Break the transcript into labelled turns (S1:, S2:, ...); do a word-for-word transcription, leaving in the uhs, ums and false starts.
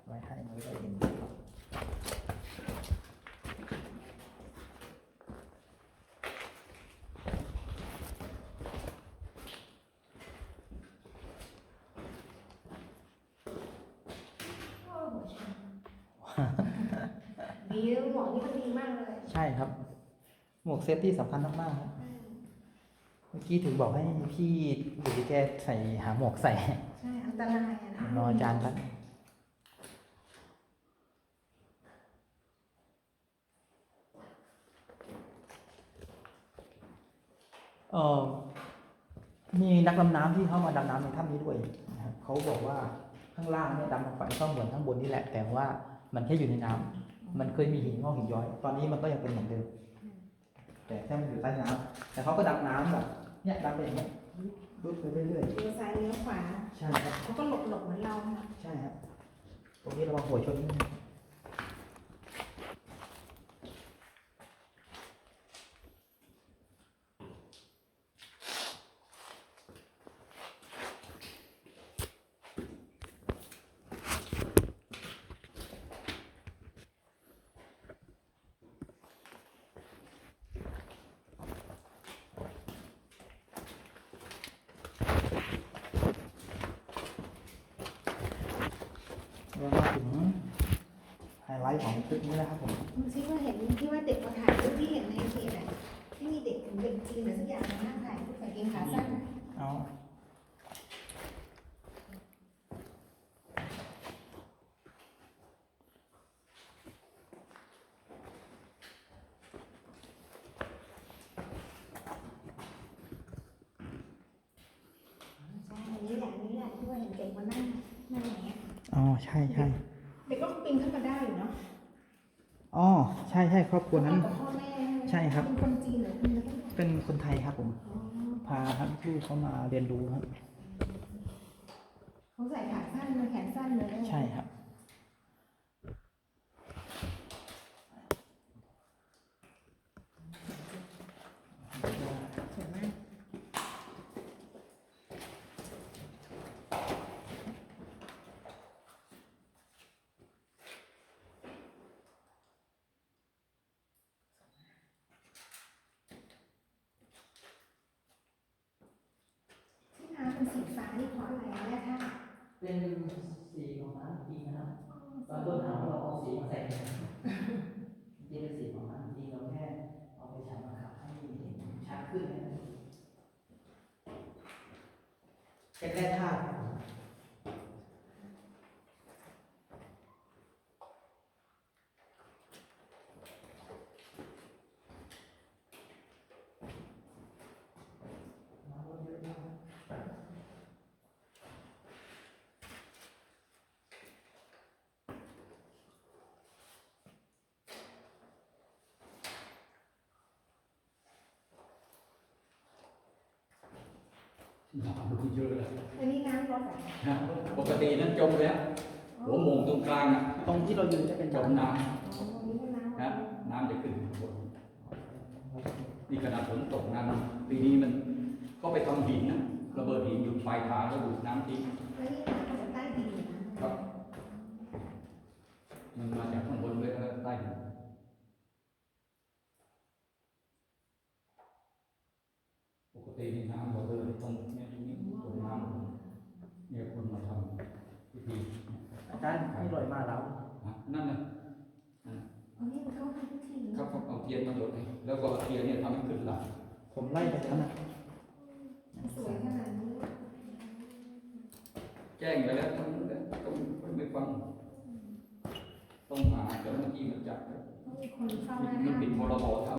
S1: ไว้ให้มันก็เห็น
S2: ดีหมวกนี่มันดีมากเลย
S1: ใช่ครับหมวกเซฟตี้สำคัญมากๆครับเมื่อกี้ถึงบอกให้พี่หรือแกใส่หาหมวกใส่
S2: ใช่อันตรายอะนะ
S1: รออาจารย์ครับเออมีนักดำน้ำที่เข้ามาดำน้ำในถ้ำนี้ด้วยนะครับเขาบอกว่าข้างล่างเนี่ยดำลงไปก็เหมือนข้างบนนี่แหละ แต่ว่ามันแค่อยู่ในน้ำมันเคยมีหินงอกหินย้อย ตอนนี้มันก็ยังเป็นเหมือนเดิมแต่แค่มันอยู่ใต้น้ำแต่เขาก็ดำน้ำแบบเนี่ยดำไปอย่างเงี้ยลุกไปเรื่อยๆ
S2: เลี้ยวซ้ายเลี้ยวขวา
S1: ใช่ครับ
S2: เขาก็หลบหลบเหมือนเรานะ
S1: ใช่ครับตรงนี้ระวังหัวชนนิดนึงเรามาถึงไฮไลท์ของคลิปนี้แล้วครับผม
S2: คุณซิว่าเห็นที่ว่าเด็กมาถ่ายรูปที่เห็นในเพจอะที่มีเด็กถึงเด็กจีนหรือสักอย่างมานั่งถ่ายรูปใส่เกงขาสั้นอะ
S1: เอา
S2: ใช่อันนี้แหละอันนี้แหละที่ว่าเห็นเด็กมานั่งนั่งอย่างเงี้ย
S1: อ๋อใช่ใช่
S2: เด็กก็ปีนขึ้นมาได้อยู่เนาะ
S1: อ๋อใช่ใช่ครอบครัวนั้น
S2: กับพ่อแม่
S1: ใช่ครับ
S2: เป็นคนจีนหรือเป็นอะไร
S1: เป็นคนไทยครับผม
S2: อ๋อ
S1: พาทั้งลูกเขามาเรียนรู้ครับ
S2: เขาใส่ขาสั้นเลยแขนสั้นเลย
S1: ใช่ครับ
S2: สวยมากที่น้ำเป็นสีฟ้านี่เพราะอะไรเนี่ยท่าน
S1: เป็นสีของน้ำจริงนะครับตอนต้นหาว่าเราเอาสีมาใส่จริงเป็นสีของน้ำจริงเราแค่เอาไปฉายมาขับให้เห็นชัดขึ้นนะครับแค่แก้ธาตุครับผมน้ำลดเยอะมากครับ
S3: น้ำลงเยอะเลย
S2: อันนี้น้ำลดอ่ะ
S3: นะปกตินั้นจมแล้ว หัวโมงตรงกลางอ่ะ
S1: ตรงที่เรายืนจะเป็น
S3: จมน้
S2: อ๋อตรงนี้ก็น้ำ
S3: ำนะน้ำจะขึ้นข้างบนนี่ขนาดฝนตกน้ำปีนี้มันก็ไปทำหินนะระเบิดหินอยู่ปลายทางแล้วดูดน้ำทิ้ง
S2: แล้วนี่น้ำมาจากใต้ดินเหรอนะครับ
S3: มันมาจากข้างบนเลยใต้ดินปกตินี่น้ำเราเดินตรงเนี่ยตรงนี้ตรงน้ำเนี่ยคนมาทำพิธี
S1: อาจารย์ให้ลอยมาแล้ว
S3: นะนั่นน่ะ
S2: อันนี้มันเข้าทำพิธี
S3: เขาเขาเอาเทียนมาหยดให้แล้วก็เทียนเนี่ยทำให้ขึ้นหลัง
S1: ผมไล่ไปแล้วนะ
S2: สวยขนาดนี้
S3: แจ้งไปแล้วต้องต้องไม่ฟังต้องหาเจ้าหน้าที่มาจับ
S2: ต้องมีคนเฝ้าหน้า
S3: มัน
S2: ถ้ำ
S3: ผิดพรบ